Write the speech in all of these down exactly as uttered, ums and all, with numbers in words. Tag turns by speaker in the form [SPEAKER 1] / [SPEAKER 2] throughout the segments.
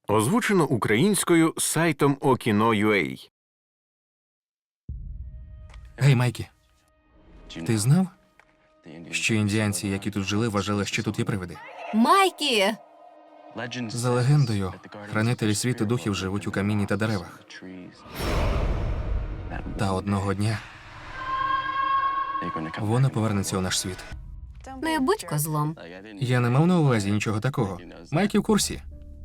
[SPEAKER 1] Озвучено українською сайтом Okino.ua.
[SPEAKER 2] Гей, Майкі, ти знав, що індіанці, які тут жили, вважали, що тут є привиди?
[SPEAKER 3] Майкі!
[SPEAKER 2] За легендою, хранителі світу духів живуть у камінні та деревах. Та одного дня вона повернеться у наш світ.
[SPEAKER 3] Не будь козлом.
[SPEAKER 2] Я не мав на увазі нічого такого. Майкі в курсі.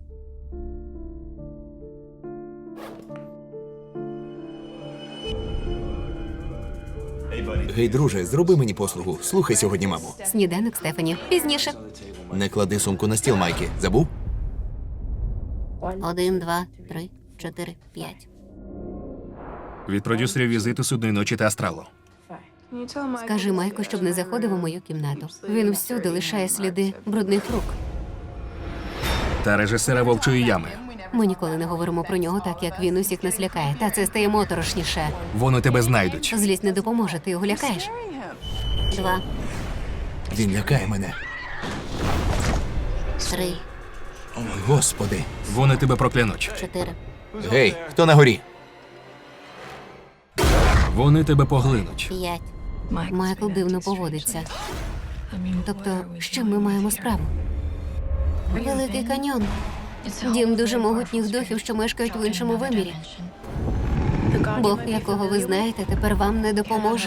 [SPEAKER 4] Гей, друже, зроби мені послугу. Слухай сьогодні, маму.
[SPEAKER 3] Сніданок Стефані. Пізніше.
[SPEAKER 4] Не клади сумку на стіл, Майкі. Забув?
[SPEAKER 3] Один, два, три, чотири, п'ять.
[SPEAKER 2] Від продюсерів візиту судної ночі та астралу.
[SPEAKER 3] Скажи Майку, щоб не заходив у мою кімнату. Він всюди лишає сліди брудних рук.
[SPEAKER 2] Та режисера Вовчої ями.
[SPEAKER 3] Ми ніколи не говоримо про нього так, як він усіх нас лякає. Та це стає моторошніше.
[SPEAKER 2] Вони тебе знайдуть.
[SPEAKER 3] Злість не допоможе, ти його лякаєш. Два,
[SPEAKER 4] Він лякає мене.
[SPEAKER 3] три,
[SPEAKER 4] Господи.
[SPEAKER 2] Вони тебе проклянуть.
[SPEAKER 3] чотири.
[SPEAKER 4] Гей, хто на горі?
[SPEAKER 2] Вони тебе поглинуть.
[SPEAKER 3] П'ять. Майкл дивно поводиться. Тобто, з чим ми маємо справу? Великий каньйон. Дім дуже могутніх духів, що мешкають в іншому вимірі. Бог, якого ви знаєте, тепер вам не допоможе.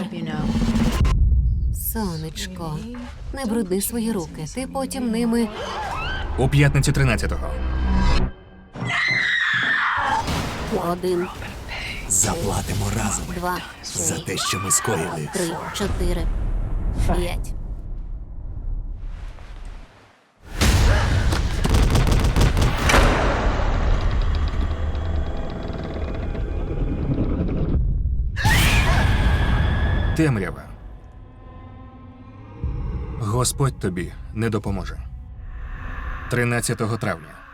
[SPEAKER 3] Сонечко, не брудни свої руки. Ти потім ними...
[SPEAKER 2] У п'ятницю тринадцятого.
[SPEAKER 3] Один,
[SPEAKER 4] Заплатимо разом
[SPEAKER 3] два,
[SPEAKER 4] за те, що ми скоїли.
[SPEAKER 3] три, чотири, п'ять.
[SPEAKER 2] Темрява. Господь тобі не допоможе. тринадцятого травня.